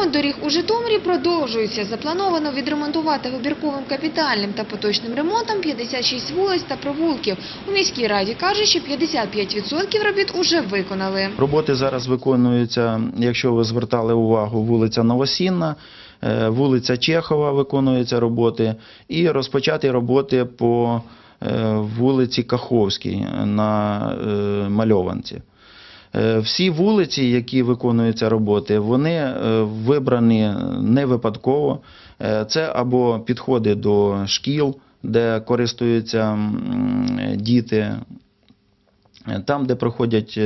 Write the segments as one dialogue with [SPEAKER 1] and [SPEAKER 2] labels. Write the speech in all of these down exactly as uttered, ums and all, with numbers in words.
[SPEAKER 1] Ремонт доріг у Житомирі продовжується. Заплановано відремонтувати вибірковим капітальним та поточним ремонтом п'ятдесят шість вулиць та провулків. У міській раді кажуть, що п'ятдесят п'ять відсотків робіт уже виконали.
[SPEAKER 2] Роботи зараз виконуються, якщо ви звертали увагу, вулиця Новосінна, вулиця Чехова виконуються роботи і розпочаті роботи по вулиці Каховській на Мальованці. Всі вулиці, які виконуються роботи, вони вибрані не випадково. Це або підходи до шкіл, де користуються діти, там, де проходять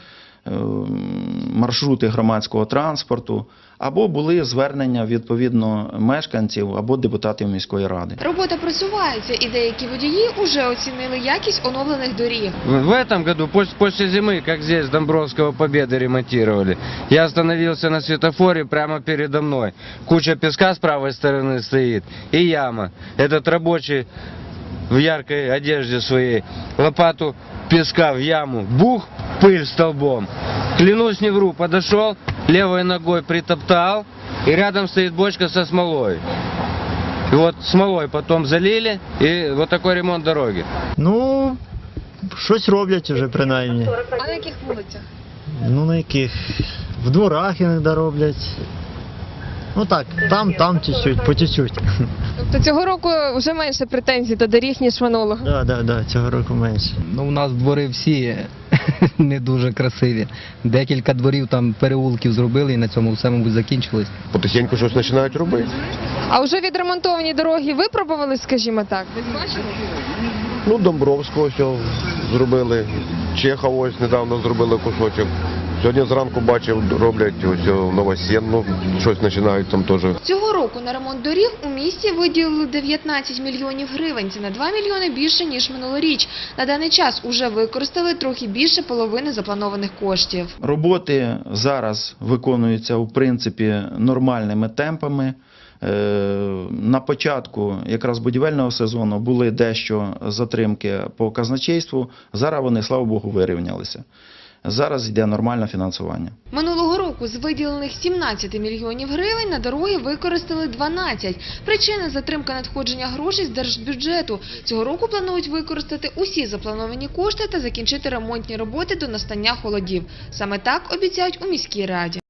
[SPEAKER 2] маршрути громадського транспорту, або були звернення відповідно мешканців або депутатів міської ради.
[SPEAKER 1] Робота просувається і деякі водії вже оцінили якість оновлених доріг.
[SPEAKER 3] В этом году, после зимы, как здесь Домбровского Победы ремонтировали, я остановился на светофоре прямо передо мной. Куча песка с правой стороны стоит и яма. Этот рабочий в яркой одежде своей лопату песка в яму, бух, пыль столбом. Клянусь, не вру, подошел, левой ногой притоптал, и рядом стоит бочка со смолой. И вот смолой потом залили, и вот такой ремонт дороги.
[SPEAKER 4] Ну, щось роблять вже принаймні.
[SPEAKER 1] А на яких вулицях?
[SPEAKER 4] Ну, на яких? В дворах іноді роблять. Ну так, там, там чуть-чуть, по чуть-чуть.
[SPEAKER 5] Тобто цього року вже менше претензій до доріг, ніж минулого?
[SPEAKER 4] Так, так, так, цього року менше.
[SPEAKER 6] Ну, у нас двори всі не дуже красиві. Декілька дворів там переулків зробили і на цьому все, мабуть, закінчилось.
[SPEAKER 7] Потихеньку щось починають робити.
[SPEAKER 5] А вже відремонтовані дороги випробували, скажімо так? Ви бачили?
[SPEAKER 7] Ну, Домбровського ось зробили, Чехова ось недавно зробили кусочок. Сьогодні зранку бачив, роблять ось Новосінну, щось починають там теж.
[SPEAKER 1] Цього року на ремонт доріг у місті виділили дев'ятнадцять мільйонів гривень. Це на два мільйони більше, ніж минулоріч. На даний час уже використали трохи більше половини запланованих коштів.
[SPEAKER 2] Роботи зараз виконуються, в принципі, нормальними темпами. На початку якраз будівельного сезону були дещо затримки по казначейству, зараз вони, слава Богу, вирівнялися. Зараз йде нормальне фінансування.
[SPEAKER 1] Минулого року з виділених сімнадцяти мільйонів гривень на дороги використали дванадцять. Причина – затримка надходження грошей з держбюджету. Цього року планують використати усі заплановані кошти та закінчити ремонтні роботи до настання холодів. Саме так обіцяють у міській раді.